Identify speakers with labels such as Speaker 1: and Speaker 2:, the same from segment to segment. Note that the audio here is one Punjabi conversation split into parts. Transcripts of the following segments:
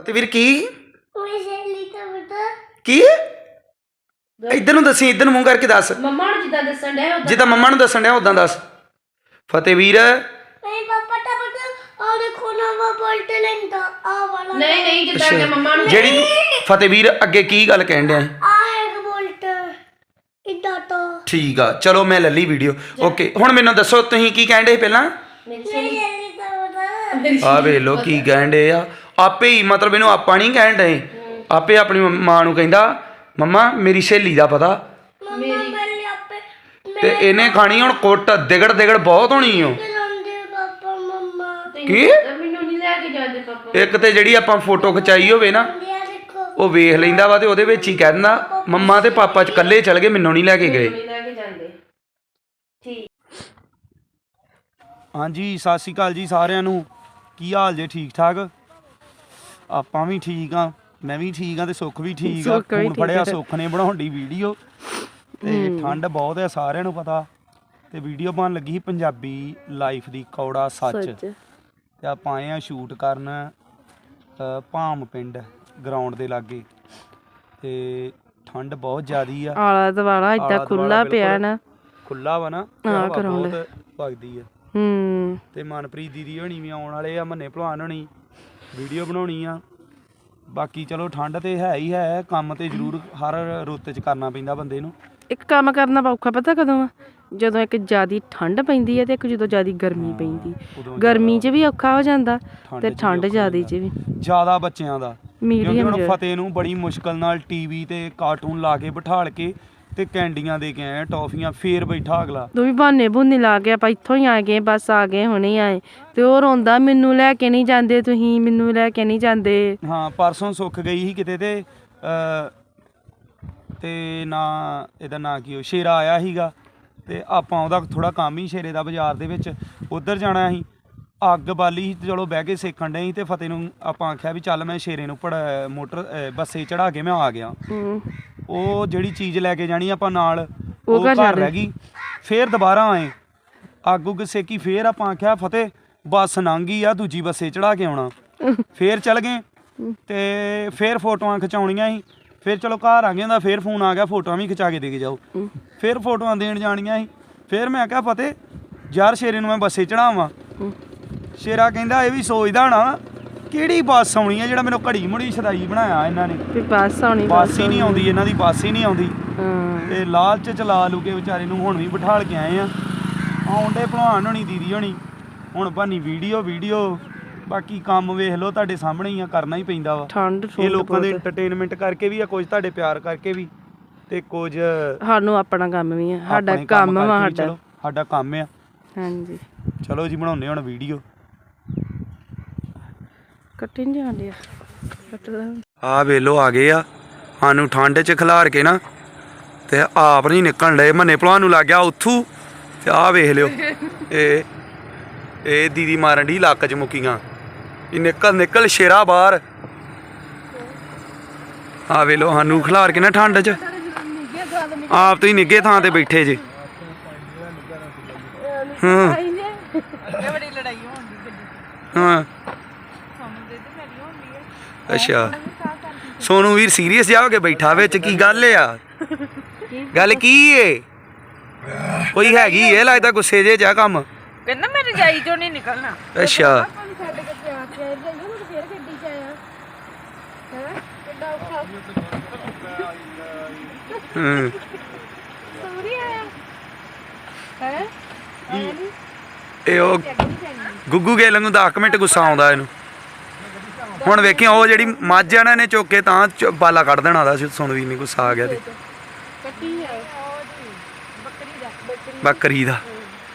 Speaker 1: ਤੇ ਵੀਰ ਕੀ ਕੀ ਇੱਧਰ ਨੂੰ ਦੱਸੀ, ਇੱਧਰ ਨੂੰ ਮੂੰਹ ਕਰਕੇ ਦੱਸ।
Speaker 2: ਮੰਮਾ ਨੂੰ ਜਿੱਦਾਂ ਦੱਸਣ ਡਿਆ
Speaker 1: ਜਿੱਦਾਂ ਮੰਮਾ ਨੂੰ ਦੱਸਣ ਡਿਆ ਉਦਾਂ ਦੱਸ। ਫਤਿਹ ਵੀਰ
Speaker 2: ਨਹੀਂ ਨਹੀਂ ਜਿੱਦਾਂ ਕਿ ਮੰਮਾ ਨੂੰ
Speaker 1: ਜਿਹੜੀ ਫਤਿਹ ਵੀਰ ਅੱਗੇ ਕੀ ਗੱਲ ਕਹਿਣ ਡਿਆ ਠੀਕ ਆ, ਚਲੋ ਮੈਂ ਲੈ ਲਈ ਵੀਡੀਓ। ਓਕੇ ਹੁਣ ਮੈਨੂੰ ਦੱਸੋ ਤੁਸੀਂ ਕੀ ਕਹਿਣ ਡੇ ਪਹਿਲਾਂ? ਆ ਵੇਖ ਲੋ ਕੀ ਕਹਿਣ ਡੇ ਆ ਆਪੇ ਹੀ, ਮਤਲਬ ਇਹਨੂੰ ਆਪਾਂ ਨਹੀਂ ਕਹਿਣ ਡਏ, ਆਪੇ ਆਪਣੀ ਮਾਂ ਨੂੰ ਕਹਿੰਦਾ ਮੰਮਾ ਮੇਰੀ ਸਹੇਲੀ ਦਾ ਪਤਾ, ਤੇ ਇਹਨੇ ਖਾਣੀ ਹੁਣ ਕੁੱਟ ਦਿਗੜ ਦਿਗੜ ਬਹੁਤ ਹੋਣੀ ਓ। ਕੀ ਇੱਕ ਤੇ ਜਿਹੜੀ ਆਪਾਂ ਫੋਟੋ ਖਿਚਾਈ ਹੋਵੇ ਨਾ ਉਹ ਵੇਖ ਲੈਂਦਾ ਵਾ ਤੇ ਉਹਦੇ ਵਿੱਚ ਹੀ ਕਹਿ ਦਿੰਦਾ ਮੰਮਾ ਤੇ ਪਾਪਾ ਚ ਇਕੱਲੇ ਚਲ ਗਏ, ਮੈਨੂੰ ਨਹੀਂ ਲੈ ਕੇ ਗਏ। ਹਾਂਜੀ ਸਤਿ ਸ਼੍ਰੀ ਅਕਾਲ ਜੀ ਸਾਰਿਆਂ ਨੂੰ, ਕੀ ਹਾਲ ਜੇ? ਠੀਕ ਠਾਕ? ਆਪਾਂ ਵੀ ਠੀਕ ਆ, ਮੈਂ ਵੀ ਠੀਕ ਆ ਤੇ ਸੁੱਖ ਵੀ ਠੀਕ ਆ। ਫੋਨ ਫੜਿਆ ਸੁੱਖ ਨੇ ਬਣਾਉਣ ਦੀ ਵੀਡੀਓ, ਤੇ ਠੰਡ ਬਹੁਤ ਆ ਸਾਰਿਆਂ ਨੂੰ ਪਤਾ, ਤੇ ਵੀਡੀਓ ਬਣ ਲੱਗੀ ਸੀ ਪੰਜਾਬੀ ਲਾਈਫ ਦੀ ਕੌੜਾ ਸੱਚ, ਤੇ ਆਪਾਂ ਆਏ ਆ ਸ਼ੂਟ ਕਰਨ ਭਾਮ ਪਿੰਡ ਗਰਾਊਂਡ ਦੇ ਲਾਗੇ, ਤੇ ਠੰਡ ਬਹੁਤ ਜ਼ਿਆਦੀ ਆ।
Speaker 3: ਆਲਾ ਦੁਆਲਾ ਏਦਾਂ ਖੁੱਲਾ ਪਿਆ ਨਾ,
Speaker 1: ਖੁੱਲਾ ਵਾ ਨਾ, ਬਹੁਤ ਵਗਦੀ ਆ। ਤੇ ਮਨਪ੍ਰੀਤ ਦੀਦੀ ਹੋਣੀ ਵੀ ਆਉਣ ਵਾਲੇ ਆ, ਮੰਨੇ ਭਲਵਾਨ ਹੋਣੀ, ਵੀਡੀਓ ਬਣਾਉਣੀ ਆ। ਬਾਕੀ ਚਲੋ ਠੰਡ ਤੇ ਹੈ ਹੀ ਹੈ, ਕੰਮ ਤੇ ਜ਼ਰੂਰ ਹਰ ਰੁੱਤ 'ਚ ਕਰਨਾ ਪੈਂਦਾ ਬੰਦੇ ਨੂੰ।
Speaker 3: ਇੱਕ ਕੰਮ ਕਰਨਾ ਔਖਾ ਪਤਾ ਕਦੋਂ ਆ? ਜਦੋਂ ਇੱਕ ਜ਼ਿਆਦਾ ਠੰਡ ਪੈਂਦੀ ਹੈ ਤੇ ਇੱਕ ਜਦੋਂ ਜ਼ਿਆਦਾ ਗਰਮੀ ਪੈਂਦੀ। ਗਰਮੀ 'ਚ ਵੀ ਔਖਾ ਹੋ ਜਾਂਦਾ ਤੇ ਠੰਡ ਜ਼ਿਆਦਾ 'ਚ ਵੀ
Speaker 1: ਜ਼ਿਆਦਾ ਬੱਚਿਆਂ ਦਾ।
Speaker 3: ਮੀਡੀਅਮ
Speaker 1: ਹੁਣ ਫਤਿਹ ਨੂੰ ਬੜੀ ਮੁਸ਼ਕਲ ਨਾਲ ਟੀਵੀ ਤੇ ਕਾਰਟੂਨ ਲਾ ਕੇ ਬਿਠਾਲ ਕੇ ਤੇ ਕੈਂਡੀਆਂ ਦੇ ਕੇ ਆਏ, ਟੌਫੀਆਂ, ਫੇਰ ਬੈਠਾ ਅਗਲਾ।
Speaker 3: ਤੂੰ ਵੀ ਬਹਾਨੇ ਬਹੂਨੇ ਲਾ ਕੇ ਆਪਾਂ ਇੱਥੋਂ ਹੀ ਆ ਗਏ, ਬਸ ਆ ਗਏ ਹੁਣੇ ਆਏ, ਤੇ ਉਹ ਰੋਂਦਾ ਮੈਨੂੰ ਲੈ ਕੇ ਨਹੀਂ ਜਾਂਦੇ, ਤੁਸੀਂ ਮੈਨੂੰ ਲੈ ਕੇ ਨਹੀਂ ਜਾਂਦੇ।
Speaker 1: ਹਾਂ ਪਰਸੋਂ ਸੁੱਖ ਗਈ ਸੀ ਕਿਤੇ, ਤੇ ਨਾ ਇਹਦਾ ਨਾਂ ਕੀ ਉਹ ਸ਼ੇਰਾ ਆਇਆ ਸੀਗਾ, ਤੇ ਆਪਾਂ ਉਹਦਾ ਥੋੜਾ ਕੰਮ ਹੀ ਸ਼ੇਰੇ ਦਾ ਬਾਜ਼ਾਰ ਦੇ ਵਿੱਚ, ਉੱਧਰ ਜਾਣਾ ਸੀ। ਅੱਗ ਬਾਲੀ ਸੀ, ਚਲੋ ਬਹਿ ਕੇ ਸੇਕਣ ਡੇ ਸੀ, ਤੇ ਫਤਿਹ ਨੂੰ ਆਪਾਂ ਆਖਿਆ ਵੀ ਚੱਲ ਮੈਂ ਸ਼ੇਰੇ ਨੂੰ ਮੋਟਰ ਬੱਸੇ ਚੜਾ ਕੇ ਮੈਂ ਆ ਗਿਆ। ਉਹ ਜਿਹੜੀ ਚੀਜ਼ ਲੈ ਕੇ ਜਾਣੀ ਆਪਾਂ ਨਾਲ ਉਹ ਘਰ ਰਹਿ ਗਈ। ਫੇਰ ਦੁਬਾਰਾ ਆਏ, ਅੱਗ ਉੱਗ ਸੇਕੀ, ਫੇਰ ਆਪਾਂ ਆਖਿਆ ਫਤਿਹ ਬੱਸ ਲੰਘ ਗਈ ਆ, ਦੂਜੀ ਬੱਸੇ ਚੜਾ ਕੇ ਆਉਣਾ। ਫੇਰ ਚੱਲ ਗਏ, ਤੇ ਫੇਰ ਫੋਟੋਆਂ ਖਿਚਾਉਣੀਆਂ ਸੀ। ਫਿਰ ਚਲੋ ਘਰ ਆ ਗਏ, ਹੁੰਦਾ ਫੇਰ ਫੋਨ ਆ ਗਿਆ ਫੋਟੋਆਂ ਵੀ ਖਿਚਾ ਕੇ ਦੇ ਕੇ ਜਾਓ। ਫਿਰ ਫੋਟੋਆਂ ਦੇਣ ਜਾਣੀਆਂ ਸੀ। ਫਿਰ ਮੈਂ ਕਿਹਾ ਫਤਿਹ ਯਾਰ ਸ਼ੇਰੇ ਨੂੰ ਮੈਂ ਬੱਸੇ ਚੜਾਵਾਂ। ਸ਼ੇਰਾ ਕਹਿੰਦਾ ਇਹ ਵੀ ਸੋਚਦਾ ਹੋਣਾ ਕਿਹੜੀ ਬੱਸ ਆਉਣੀ ਆ, ਜਿਹੜਾ ਮੈਨੂੰ ਘੜੀ ਮੁੜੀ ਸਦਾਈ ਬਣਾਇਆ ਇਹਨਾਂ ਨੇ, ਬੱਸ ਹੀ ਨਹੀਂ ਆਉਂਦੀ ਇਹਨਾਂ ਦੀ, ਬੱਸ ਹੀ ਨਹੀਂ ਆਉਂਦੀ। ਤੇ ਲਾਲਚ ਚ ਲਾ ਲੂ ਕੇ ਵਿਚਾਰੇ ਨੂੰ ਹੁਣ ਵੀ ਬਿਠਾਲ ਕੇ ਆਏ ਆ। ਆਉਂਦੇ ਭਲਵਾਨ ਹੋਣੀ, ਦੀਦੀ ਹੋਣੀ, ਹੁਣ ਬਣੀ ਵੀਡੀਓ। ਬਾਕੀ ਕੰਮ ਵੇਖ ਲਓ ਤੁਹਾਡੇ ਸਾਹਮਣੇ ਹੀ ਆ, ਕਰਨਾ ਹੀ ਪੈਂਦਾ ਵਾ। ਇਹ ਲੋਕਾਂ ਦੇ ਐਂਟਰਟੇਨਮੈਂਟ ਕਰਕੇ ਵੀ ਆ, ਕੁਝ ਤੁਹਾਡੇ ਪਿਆਰ ਕਰਕੇ ਵੀ, ਤੇ ਕੁਝ
Speaker 3: ਸਾਨੂੰ ਆਪਣਾ ਕੰਮ ਵੀ ਆ, ਸਾਡਾ ਕੰਮ ਵਾ,
Speaker 1: ਸਾਡਾ ਕੰਮ ਆ।
Speaker 3: ਹਾਂਜੀ
Speaker 1: ਚਲੋ ਜੀ ਬਣਾਉਂਦੇ ਹੁਣ ਵੀਡੀਓ।
Speaker 3: ਕੱਟੀ ਨਹੀਂ ਜਾਂਦੀ
Speaker 1: ਆ ਵੇਲੋ ਆ ਗਏ ਆ, ਸਾਨੂੰ ਠੰਡ 'ਚ ਖਿਲਾਰ ਕੇ ਨਾ, ਤੇ ਆਪ ਨਹੀਂ ਨਿਕਲਣ ਡਏ। ਮੰਨੇ ਭਲਵਾਨ ਨੂੰ ਲੱਗ ਗਿਆ ਉੱਥੂ, ਤੇ ਆਹ ਵੇਖ ਲਿਓ ਇਹ ਦੀਦੀ ਮਾਰਨ ਡਈ ਲੱਕ 'ਚ ਮੁੱਕੀਆਂ। ਇਹ ਨਿਕਲ ਸ਼ੇਰਾ ਬਾਹਰ। ਆ ਵੇਲੋ ਸਾਨੂੰ ਖਿਲਾਰ ਕੇ ਨਾ ਠੰਡ 'ਚ, ਆਪ ਤੁਸੀਂ ਨਿੱਘੇ ਥਾਂ ਤੇ ਬੈਠੇ ਜੇ। ਹਾਂ ਹਾਂ ਅੱਛਾ ਸੋਨੂੰ ਵੀਰ ਸੀਰੀਅਸ ਜਾ ਹੋ ਕੇ ਬੈਠਾ ਵਿੱਚ, ਕੀ ਗੱਲ ਆ? ਗੱਲ ਕੀ ਏ? ਕੋਈ ਹੈਗੀ ਏ ਲੱਗਦਾ ਗੁੱਸੇ ਜੇ ਜਾ ਕੰਮ?
Speaker 3: ਕਹਿੰਦਾ ਮੈਂ ਰਜਾਈ ਚੋਂ ਨਹੀਂ ਨਿਕਲਣਾ।
Speaker 1: ਅੱਛਾ ਇਹ ਉਹ ਗੁੱਗੂ ਗੇਲ ਨੂੰ 10 ਮਿੰਟ ਗੁੱਸਾ ਆਉਂਦਾ ਇਹਨੂੰ। ਹੁਣ ਵੇਖੀ ਉਹ ਜਿਹੜੀ ਮੱਝ ਆ ਨਾ, ਇਹਨੇ ਚੁੱਕ ਕੇ ਤਾਂ ਬਾਲਾ ਕੱਢ ਦੇਣਾ ਦਾ। ਸੁਣ ਵੀ ਨਹੀਂ ਗੁੱਸਾ ਆ ਗਿਆ ਤੇ ਬੱਕਰੀ ਦਾ।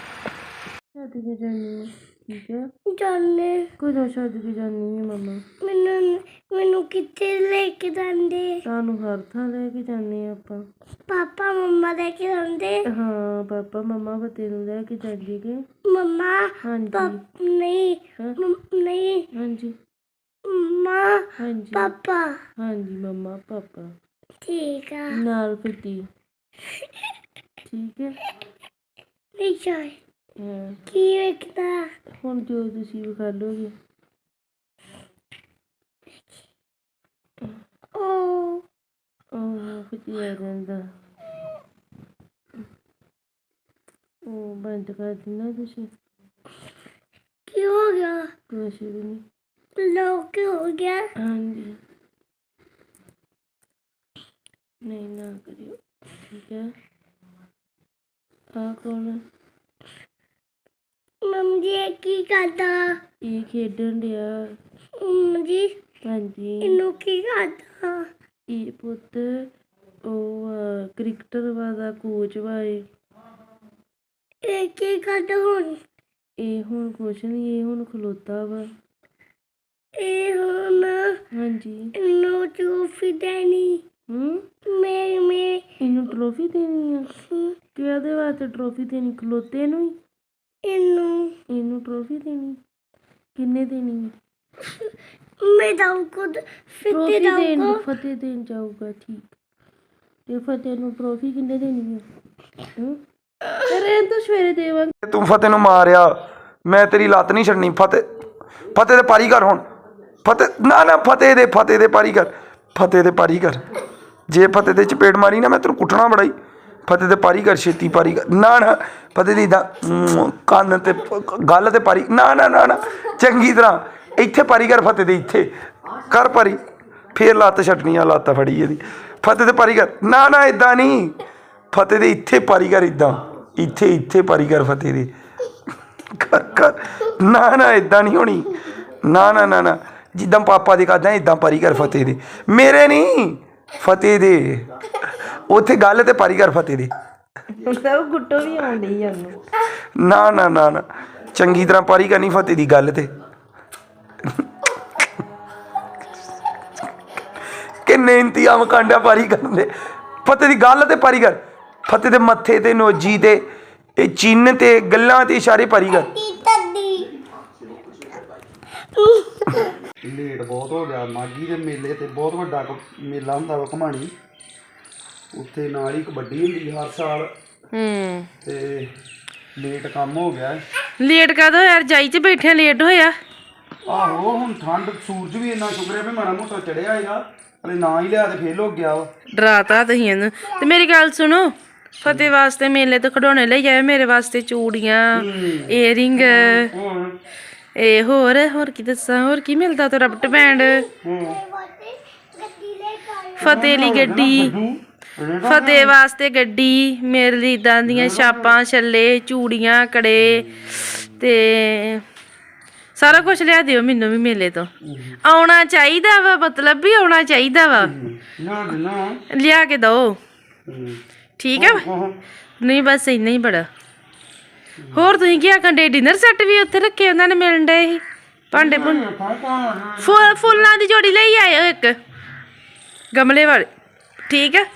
Speaker 3: ਕਦੋਂ ਛੱਡ ਕੇ ਜਾਨੀ ਹੈ ਮੰਮਾ?
Speaker 4: ਮੈਨੂੰ ਕਿੱਥੇ ਲੈ ਕੇ ਜਾਂਦੇ?
Speaker 3: ਸਾਨੂੰ ਹਰ ਥਾਂ ਲੈ ਕੇ ਜਾਂਦੇ ਆਪਾਂ।
Speaker 4: ਪਾਪਾ ਮੰਮਾ ਲੈ ਕੇ ਜਾਂਦੇ?
Speaker 3: ਹਾਂ ਪਾਪਾ ਮੰਮਾ ਫਤਿਹ ਨੂੰ ਲੈ ਕੇ ਜਾਂਦੇ ਕਿ
Speaker 4: ਮੰਮਾ?
Speaker 3: ਹਾਂਜੀ
Speaker 4: ਨਹੀਂ ਨਹੀਂ
Speaker 3: ਹਾਂਜੀ
Speaker 4: ਮੰਮਾ
Speaker 3: ਹਾਂਜੀ
Speaker 4: ਪਾਪਾ।
Speaker 3: ਹਾਂਜੀ ਮੰਮਾ ਪਾਪਾ
Speaker 4: ਠੀਕ ਆ
Speaker 3: ਨਾਲ ਫਤੀ। ਠੀਕ ਹੈ
Speaker 4: ਨਹੀਂ ਚਾਹੀ ਕੀ ਵੇਖਦਾ?
Speaker 3: ਹੁਣ ਜੋ ਤੁਸੀਂ ਵਿਖਾ ਲੋਗੇ। ਛੇਤੀ ਆ ਜਾਂਦਾ। ਉਹ ਬੰਦ ਕਰ ਦਿੰਦਾ ਤੁਸੀਂ।
Speaker 4: ਕੀ ਹੋ ਗਿਆ?
Speaker 3: ਕੁਛ ਵੀ ਨਹੀਂ।
Speaker 4: ਲੋਕ ਕੀ ਹੋ ਗਿਆ?
Speaker 3: ਹਾਂਜੀ ਨਹੀਂ ਨਾ ਕਰਿਓ, ਠੀਕ ਹੈ। ਆ ਕੌਣ ਆ?
Speaker 4: ਮੰਮੀ ਜੀ ਇਹ ਕੀ ਕਰਦਾ?
Speaker 3: ਇਹ ਖੇਡਣ ਡਿਆ।
Speaker 4: ਮੰਮੀ ਜੀ
Speaker 3: ਹਾਂਜੀ
Speaker 4: ਇਹਨੂੰ ਕੀ ਕਰਦਾ?
Speaker 3: ਇਹ ਪੁੱਤ ਉਹ ਕ੍ਰਿਕਟਰ ਦਾ ਕੋਚ ਵਾ ਇਹ।
Speaker 4: ਇਹ ਕੀ ਕਰਦਾ ਹੁਣ?
Speaker 3: ਇਹ ਹੁਣ ਕੁਛ ਨਹੀਂ, ਇਹ ਹੁਣ ਖਲੋਤਾ ਵਾ।
Speaker 4: ਇਹ ਹੁਣ
Speaker 3: ਹਾਂਜੀ
Speaker 4: ਇਹਨੂੰ ਟਰੋਫੀ ਦੇਣੀ। ਮੈਂ
Speaker 3: ਇਹਨੂੰ ਟਰੋਫੀ ਦੇਣੀ ਆ? ਕਿਹਦੇ ਵਾਸਤੇ ਟਰੋਫੀ ਦੇਣੀ? ਖਲੋਤੇ ਨੂੰ ਹੀ? ਇਹਨੂੰ ਟਰੋਫੀ ਦੇਣੀ? ਕਿੰਨੇ ਦੇਣੀ ਹੈ?
Speaker 4: ਮੈਂ ਦਊਂਗਾ
Speaker 3: ਟਰੋਫੀ
Speaker 4: ਫਿੱਤੇ
Speaker 3: ਦੇਣ
Speaker 4: ਦਊਂਗਾ।
Speaker 3: ਫਤਿਹ ਦੇਣ ਜਾਊਗਾ, ਠੀਕ। ਤੇ ਫਤਿਹ ਨੂੰ ਟਰੋਫੀ ਕਿੰਨੇ ਦੇਣੀ ਹੈ? ਅਰੇ ਤਾਂ ਸਵੇਰੇ ਦੇਵਾਂਗੇ।
Speaker 1: ਤੂੰ ਫਤਿਹ ਨੂੰ ਮਾਰਿਆ, ਮੈਂ ਤੇਰੀ ਲੱਤ ਨਹੀਂ ਛੱਡਣੀ। ਫਤਿਹ ਦੇ ਪਾਰੀ ਕਰ ਹੁਣ। ਫਤਿਹ ਨਾ ਫਤਿਹ ਦੇ ਪਾਰੀ ਕਰ। ਫਤਿਹ ਦੇ ਪਾਰੀ ਕਰ। ਜੇ ਫਤਿਹ ਦੇ ਚਪੇੜ ਮਾਰੀ ਨਾ ਮੈਂ ਤੈਨੂੰ ਕੁੱਟਣਾ ਬੜਾ ਹੀ। ਫਤਿਹ ਦੇ ਪਾਰੀ ਕਰ, ਛੇਤੀ ਪਾਰੀ ਕਰ। ਨਾ ਫਤਿਹ ਦੀ ਇੱਦਾਂ ਕੰਨ ਤੇ ਗੱਲ ਤੇ ਪਾਰੀ। ਨਾ ਚੰਗੀ ਤਰ੍ਹਾਂ ਇੱਥੇ ਪਾਰੀ ਕਰ। ਫਤਿਹ ਦੇ ਇੱਥੇ ਕਰ ਪਾਰੀ, ਫੇਰ ਲੱਤ ਛੱਡਣੀ ਆ। ਲੱਤ ਫੜੀ ਇਹਦੀ। ਫਤਿਹ ਦੇ ਪਾਰੀ ਕਰ। ਨਾ ਇੱਦਾਂ ਨਹੀਂ, ਫਤਿਹ ਦੇ ਇੱਥੇ ਪਾਰੀ ਕਰ। ਇੱਦਾਂ ਇੱਥੇ ਪਾਰੀ ਕਰ ਫਤਿਹ ਦੇ। ਕਰ ਨਾ ਇੱਦਾਂ ਨਹੀਂ ਹੋਣੀ। ਨਾ ਜਿੱਦਾਂ ਪਾਪਾ ਦੇ ਕਰਦਾ ਇੱਦਾਂ ਪਾਰੀ ਕਰ ਫਤਿਹ ਦੇ। ਮੇਰੇ ਨਹੀਂ, ਫਤਿਹ ਦੇ। ਉੱਥੇ ਗੱਲ ਤੇ ਪਾਰੀ ਕਰ ਫਤਿਹ ਦੇ।
Speaker 3: ਸਭ ਗੁੱਟੋ ਵੀ ਆਉਂਦੀ ਉਹਨੂੰ।
Speaker 1: ਨਾ ਚੰਗੀ ਤਰ੍ਹਾਂ ਪਾਰੀ ਕਰਨੀ ਫਤਿਹ ਦੀ ਗੱਲ ਤੇ। ਕਿੰਨੇ ਇੰਤਜ਼ਾਮ ਕਾਂਡਿਆ ਪਾਰੀ ਕਰਨ ਦੇ। ਫਤਿਹ ਦੀ ਗੱਲ ਤੇ ਪਾਰੀ ਕਰ। ਫਤਿਹ ਦੇ ਮੱਥੇ ਤੇ, ਨੋਜੀ ਤੇ, ਇਹ ਚਿੰਨ੍ਹ ਤੇ, ਗੱਲਾਂ ਤੇ ਇਸ਼ਾਰੇ ਪਾਰੀ ਕਰ। ਲੇਟ ਬਹੁਤ ਹੋ ਗਿਆ। ਮਾਘੀ ਦੇ ਮੇਲੇ ਤੇ ਬਹੁਤ ਵੱਡਾ ਮੇਲਾ ਹੁੰਦਾ ਵਾ ਘਮਾਣੀ। ਉੱਥੇ ਨਾਲ ਹੀ ਕਬੱਡੀ ਹੁੰਦੀ ਹਰ ਸਾਲ। ਤੇ ਲੇਟ ਕੰਮ ਹੋ ਗਿਆ।
Speaker 3: ਲੇਟ ਕਾਹਦਾ ਯਾਰ? ਜਾਈ 'ਚ ਬੈਠੇ ਲੇਟ ਹੋਇਆ।
Speaker 1: ਆਹੋ ਹੁਣ ਠੰਡ, ਸੂਰਜ ਵੀ ਇੰਨਾ ਸ਼ੁਕਰ ਹੈ ਵੀ ਮਾੜਾ ਮੋਟਾ ਚੜਿਆ ਹੈਗਾ। ਹਲੇ ਨਾ ਹੀ ਲਿਆ ਤੇ ਫੇਲ ਹੋ ਗਿਆ ਵਾ।
Speaker 3: ਡਰਾਤਾ ਤੁਸੀਂ ਇਹਨੂੰ। ਤੇ ਮੇਰੀ ਗੱਲ ਸੁਣੋ, ਫਤਿਹ ਵਾਸਤੇ ਮੇਲੇ ਤੋਂ ਖਿਡੌਣੇ ਲਈ ਆਏ। ਮੇਰੇ ਵਾਸਤੇ ਚੂੜੀਆਂ, ਏਅਰਿੰਗ, ਇਹ ਹੋਰ ਕੀ ਦੱਸਾਂ? ਹੋਰ ਕੀ ਮਿਲਦਾ? ਤੇ ਰਬਟ ਬੈਂਡ। ਫਤਿਹ ਲਈ ਗੱਡੀ, ਫਤਿਹ ਵਾਸਤੇ ਗੱਡੀ, ਮੇਰੇ ਲਈ ਇੱਦਾਂ ਦੀਆਂ ਛਾਪਾਂ, ਛੱਲੇ, ਚੂੜੀਆਂ, ਕੜੇ ਤੇ ਸਾਰਾ ਕੁਝ ਲਿਆ ਦਿਓ ਮੈਨੂੰ ਵੀ ਮੇਲੇ ਤੋਂ। ਆਉਣਾ ਚਾਹੀਦਾ ਵਾ, ਮਤਲਬ ਵੀ ਆਉਣਾ ਚਾਹੀਦਾ ਵਾ। ਲਿਆ ਕੇ ਦਓ, ਠੀਕ ਹੈ? ਨਹੀਂ ਬਸ ਇੰਨਾ ਹੀ ਬੜਾ। ਹੋਰ ਤੁਸੀਂ ਕੀ ਆਖਣ ਡੇ? ਡਿਨਰ ਸੈੱਟ ਵੀ ਉੱਥੇ ਰੱਖੇ ਉਹਨਾਂ ਨੇ, ਮਿਲਣ ਡੇ ਸੀ ਭਾਂਡੇ ਫੁੱਲਾਂ ਦੀ ਜੋੜੀ ਲਈ ਆਇਓ ਇੱਕ ਗਮਲੇ ਵਾਲੇ, ਠੀਕ ਹੈ?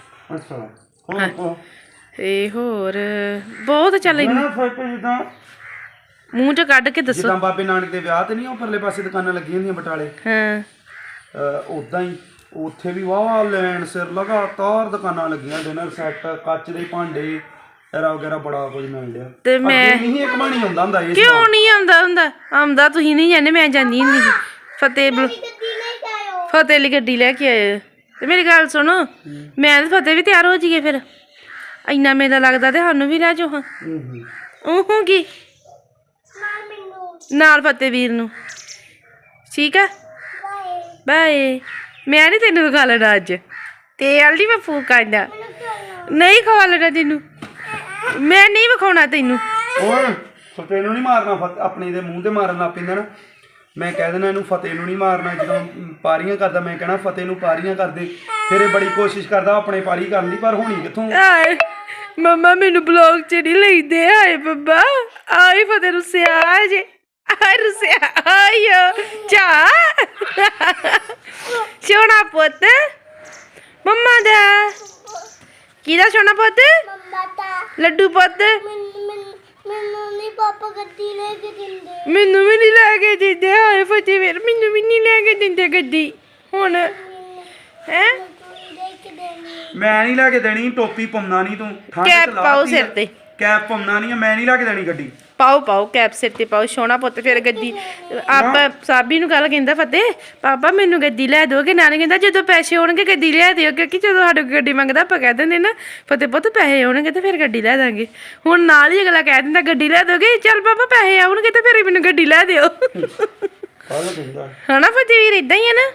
Speaker 3: ਇਹ ਹੋਰ ਬਹੁਤ ਚੱਲ ਮੂੰਹ ਚ ਕੱਢ ਕੇ ਦੱਸੋ।
Speaker 1: ਜਿੱਦਾਂ ਬਾਬੇ ਨਾਨਕ ਦੇ ਵਿਆਹ ਤੇ ਨਹੀਂ ਉਹ ਪਰਲੇ ਪਾਸੇ ਦੁਕਾਨਾਂ ਲੱਗੀਆਂ ਹੁੰਦੀਆਂ ਬਟਾਲੇ, ਉਦਾਂ ਹੀ ਉੱਥੇ ਵੀ ਵਾਹ ਲੈਣ ਸਿਰ ਲਗਾਤਾਰ ਦੁਕਾਨਾਂ ਲੱਗੀਆਂ। ਡਿਨਰ ਸੈੱਟ, ਕੱਚ ਦੇ ਭਾਂਡੇ ਵਗੈਰਾ ਬੜਾ ਕੁਝ ਮਿਲ ਰਿਹਾ।
Speaker 3: ਤੇ ਮੈਂ
Speaker 1: ਨਹੀਂ ਇੱਕ ਬਣੀ ਹੁੰਦਾ ਇਹ।
Speaker 3: ਕਿਉਂ ਨਹੀਂ ਆਉਂਦਾ ਤੁਸੀਂ ਨਹੀਂ ਜਾਂਦੇ, ਮੈਂ ਜਾਂਦੀ ਹੁੰਦੀ ਸੀ। ਫਤਿਹ ਲਈ ਗੱਡੀ ਲੈ ਕੇ ਆਏ। ਤੇ ਮੇਰੀ ਗੱਲ ਸੁਣੋ, ਮੈਂ ਤੇ ਫਤਿਹ ਵੀ ਤਿਆਰ ਹੋ ਜਾਈਏ ਫਿਰ। ਇੰਨਾ ਮੇਲਾ ਲੱਗਦਾ ਤੇ ਸਾਨੂੰ ਵੀ ਲੈ ਜਾਓ ਹਾਂ। ਉਹ ਕੀ ਨਾਲ ਫਤਿਹ ਵੀਰ ਨੂੰ, ਠੀਕ ਆ? ਬਾਏ। ਮੈਂ ਨਹੀਂ ਤੈਨੂੰ ਵਿਖਾ ਲੈਣਾ ਅੱਜ। ਤੇਲ ਨਹੀਂ ਮੈਂ ਫੂਕ ਆਂਦਾ, ਨਹੀਂ ਖਵਾ ਲੈਣਾ ਤੈਨੂੰ। ਮੈਂ ਨਹੀਂ ਵਿਖਾਉਣਾ ਤੈਨੂੰ।
Speaker 1: ਫਤਿਹ ਨੂੰ ਨਹੀਂ ਮਾਰਨਾ, ਆਪਣੇ ਦੇ ਮੂੰਹ ਤੇ ਮਾਰਨ ਲੱਗ ਪੈਂਦਾ ਨਾ। ਮੈਂ ਕਹਿ ਦੇਣਾ ਇਹਨੂੰ ਫਤਿਹ ਨੂੰ ਨਹੀਂ ਮਾਰਨਾ। ਜਦੋਂ ਪਾਰੀਆਂ ਕਰਦਾ ਮੈਂ ਕਹਿਣਾ ਫਤਿਹ ਨੂੰ ਪਾਰੀਆਂ ਕਰਦੇ। ਫਿਰ ਇਹ ਬੜੀ ਕੋਸ਼ਿਸ਼ ਕਰਦਾ ਆਪਣੇ ਪਾਰੀ ਕਰਨ ਦੀ, ਪਰ ਹੋਣੀ ਕਿੱਥੋਂ।
Speaker 3: ਮੰਮਾ ਮੈਨੂੰ ਬਲੌਗ ਚ ਨਹੀਂ ਲੈਂਦੇ। ਹਾਏ ਬੱਬਾ, ਆਈ ਫਤਿਹ ਰੁੱਸਿਆ ਜੇ। ਆਏ ਰੁੱਸਿਆ ਆਇਓ ਚਾ ਸੋਹਣਾ ਪੁੱਤ ਮੰਮਾ ਦਾ। ਕਿਹਦਾ ਸੋਹਣਾ ਪੁੱਤ? ਲੱਡੂ ਪੁੱਤ।
Speaker 4: ਮੈਨੂੰ ਨਹੀਂ ਪਾਪਾ ਗੱਡੀ ਲੈ ਕੇ ਦਿੰਦੇ।
Speaker 3: ਮੈਨੂੰ ਵੀ ਨਹੀਂ ਲੈ ਕੇ ਦਿੰਦੇ। ਹਾਏ ਫਤਿਹ ਵੀਰ, ਮੈਨੂੰ ਵੀ ਨਹੀਂ ਲੈ ਕੇ ਦਿੰਦੇ ਗੱਡੀ ਹੁਣ। ਹੈ
Speaker 1: ਮੈਂ ਨਹੀਂ ਲੈ ਕੇ ਦੇਣੀ। ਟੋਪੀ ਪਾਉਣਾ ਨਹੀਂ ਤੂੰ।
Speaker 3: ਕੈਪ ਪਾਓ ਸਿਰ ਤੇ।
Speaker 1: ਕੈਪ ਪਾਉਣਾ ਨਹੀਂ, ਮੈਂ ਨਹੀਂ ਲੈ ਕੇ ਦੇਣੀ ਗੱਡੀ।
Speaker 3: ਪਾਓ ਕੈਪ ਸਿਰ ਤੇ ਪਾਓ ਸੋਹਣਾ ਪੁੱਤ ਫਿਰ ਗੱਡੀ ਆਪਾਂ ਸਾਬੀ ਨੂੰ ਕੱਲ ਕਹਿੰਦਾ ਫਤਿਹ ਪਾਪਾ ਮੈਨੂੰ ਗੱਡੀ ਲੈ ਦੋਗੇ ਨਾਲੇ ਕਹਿੰਦਾ ਜਦੋਂ ਪੈਸੇ ਹੋਣਗੇ ਗੱਡੀ ਲੈ ਦਿਓ ਕਿਉਂਕਿ ਜਦੋਂ ਸਾਡੇ ਕੋਲ ਗੱਡੀ ਮੰਗਦਾ ਆਪਾਂ ਕਹਿ ਦਿੰਦੇ ਨਾ ਫਤਿਹ ਪੁੱਤ ਪੈਸੇ ਆਉਣਗੇ ਤੇ ਫਿਰ ਗੱਡੀ ਲੈ ਦਾਂਗੇ ਹੁਣ ਨਾਲ ਹੀ ਅਗਲਾ ਕਹਿ ਦਿੰਦਾ ਗੱਡੀ ਲੈ ਦੋਗੇ ਚੱਲ ਪਾਪਾ ਪੈਸੇ ਆਉਣਗੇ ਤੇ ਫਿਰ ਮੈਨੂੰ ਗੱਡੀ ਲੈ ਦਿਓ ਹਨਾ ਫਤਿਹ ਵੀਰ ਇਦਾਂ ਹੀ ਹੈ ਨਾ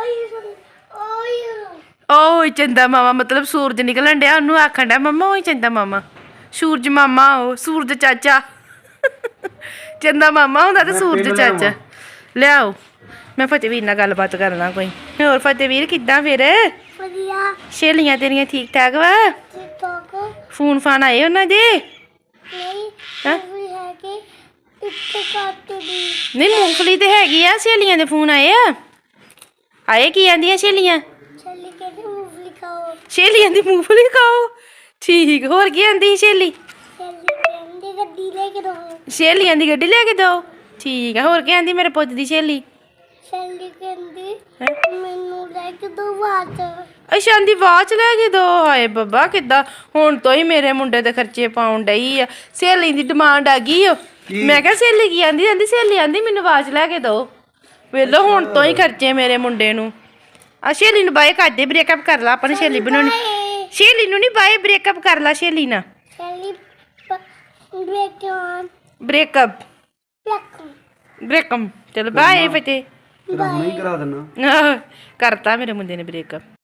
Speaker 3: ਓਏ ਚੰਦਾ ਮਾਮਾ ਮਤਲਬ ਸੂਰਜ ਨਿਕਲਣ ਡਿਆ ਉਹਨੂੰ ਆਖਣ ਡਿਆ ਮੰਮਾ ਓਏ ਚੰਦਾ ਮਾਮਾ ਸੂਰਜ ਮਾਮਾ ਉਹ ਸੂਰਜ ਚਾਚਾ ਚੰਦਾ ਮਾਮਾ ਹੁੰਦਾ ਤੇ ਸੂਰਜ ਚਾਚਾ ਲਿਆਓ ਮੈਂ ਫਤਿਹਵੀਰ ਨਾਲ ਗੱਲਬਾਤ ਕਰਨਾ ਕੋਈ ਹੋਰ ਫਤਿਹਵੀਰ ਕਿੱਦਾਂ ਫਿਰ
Speaker 4: ਵਧੀਆ
Speaker 3: ਸਹੇਲੀਆਂ ਤੇਰੀਆਂ ਠੀਕ ਠਾਕ ਵਾ
Speaker 4: ਟਿਕਟੋਕ
Speaker 3: ਫੋਨ ਫਾਨ ਆਏ ਉਹਨਾਂ ਦੇ
Speaker 4: ਨਹੀਂ
Speaker 3: ਹੈਂ?
Speaker 4: ਵੀ ਹੈ ਕਿ ਇੱਥੇ ਕੱਟ ਦੀ
Speaker 3: ਨਹੀਂ ਮੂੰਗਫਲੀ ਤੇ ਹੈਗੀ ਆ ਸਹੇਲੀਆਂ ਦੇ ਫੋਨ ਆਏ ਆ ਆਏ ਕੀ ਆਂਦੀਆਂ ਸਹੇਲੀਆਂ
Speaker 4: ਚੱਲੀ ਕੇ ਮੂਵੀ ਖਾਓ
Speaker 3: ਸਹੇਲੀਆਂ ਦੀ ਮੂੰਗਫਲੀ ਖਾਓ ਠੀਕ ਹੋਰ ਕੀ ਆਂਦੀ ਸਹੇਲੀ
Speaker 4: ਚੱਲੀ ਕਹਿੰਦੀ ਗੱਡੀ ਲੈ ਕੇ ਦੋ
Speaker 3: ਸਹੇਲੀਆਂ ਦੀ ਗੱਡੀ ਲੈ ਕੇ ਦੋ ਠੀਕ ਆ ਹੋਰ ਕੀ ਆਂਦੀ ਮੇਰੇ ਪੁੱਤ ਦੀ ਸਹੇਲੀ
Speaker 4: ਚੱਲੀ ਕਹਿੰਦੀ ਮੈਨੂੰ ਲੈ ਕੇ ਦੋ ਵਾਚ
Speaker 3: ਅੱਛਾ ਆਂਦੀ ਵਾਚ ਲੈ ਕੇ ਦੋ ਹਾਏ ਬੱਬਾ ਕਿੱਦਾਂ ਹੁਣ ਤੋਂ ਹੀ ਮੇਰੇ ਮੁੰਡੇ ਦੇ ਖਰਚੇ ਪਾਉਣ ਡਈ ਆ ਸਹੇਲੀ ਦੀ ਡਿਮਾਂਡ ਆ ਗਈ ਓ ਮੈਂ ਕਿਹਾ ਸਹੇਲੀ ਕੀ ਆਂਦੀ ਆਂਦੀ ਸਹੇਲੀ ਆਂਦੀ ਮੈਨੂੰ ਵਾਚ ਲੈ ਕੇ ਦੋ ਵੇਲੋ ਹੁਣ ਤੋਂ ਹੀ ਖਰਚੇ ਮੇਰੇ ਮੁੰਡੇ ਨੂੰ ਆ ਸਹੇਲੀ ਨੂੰ ਬਾਏ ਕਰਦੇ ਬ੍ਰੇਕਅਪ ਕਰ ਲਾ ਆਪਣੀ ਸਹੇਲੀ ਬਣਾਉਣੀ ਸਹੇਲੀ ਨੂੰ ਨਹੀਂ ਬਾਏ ਬ੍ਰੇਕਅਪ ਕਰ ਲਾ ਸਹੇਲੀ ਨਾਲ
Speaker 4: ਚੱਲੀ ਬੇਟਨ
Speaker 3: ਬ੍ਰੇਕਅਪ ਬ੍ਰੇਕਅਪ ਚਲ ਬਾਏ ਫਤੇ
Speaker 1: ਤੇਰਾ ਹੁਣੇ ਹੀ ਕਰਾ ਦਿੰਨਾ
Speaker 3: ਕਰਤਾ ਮੇਰੇ ਮੁੰਡੇ ਨੇ ਬ੍ਰੇਕਅਪ